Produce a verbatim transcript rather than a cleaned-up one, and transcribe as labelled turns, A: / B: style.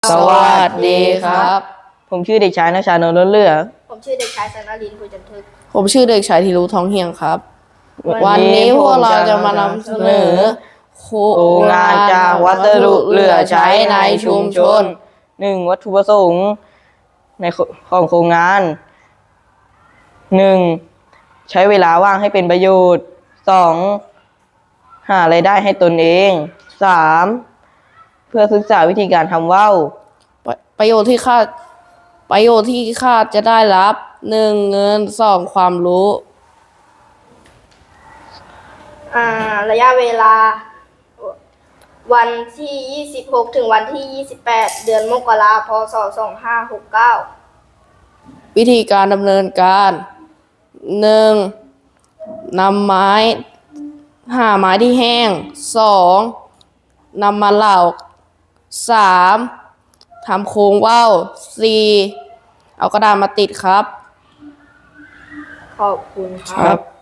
A: สวัสดีครับผมชื่อเด็กชายณชานนท์ล้นเลือ
B: ผมชื่อเด็กชายสนลินคุยจันทึก
C: ผมชื่อเด็กชายธีรุท้องเฮียงครับ วันนี้พวกเราจะมานำเสนอโครงงานจากวัสดุเหลือใช้ในชุมชน
A: หนึ่งวัตถุประสงค์ในของโครงงานหนึ่งใช้เวลาว่างให้เป็นประโยชน์สองหารายได้ให้ตนเองสามเพื่อศึกษาวิธีการทำว่าว
C: ประประโยชน์ที่คาดประโยชน์ที่คาดจะได้รับหนึ่งเงินสองความรู้
B: อ่าระยะเวลาวันที่ยี่สิบหกถึงวันที่ยี่สิบแปดเดือนมกราคมพศสองห้าหกเก้า
C: วิธีการดำเนินการหนึ่งนำไม้หาไม้ที่แห้งสองนำมาเหลาสามทำโครงว่าวสี่เอากระดาษมาติดครับ
B: ขอบคุณค
C: ครับ รับ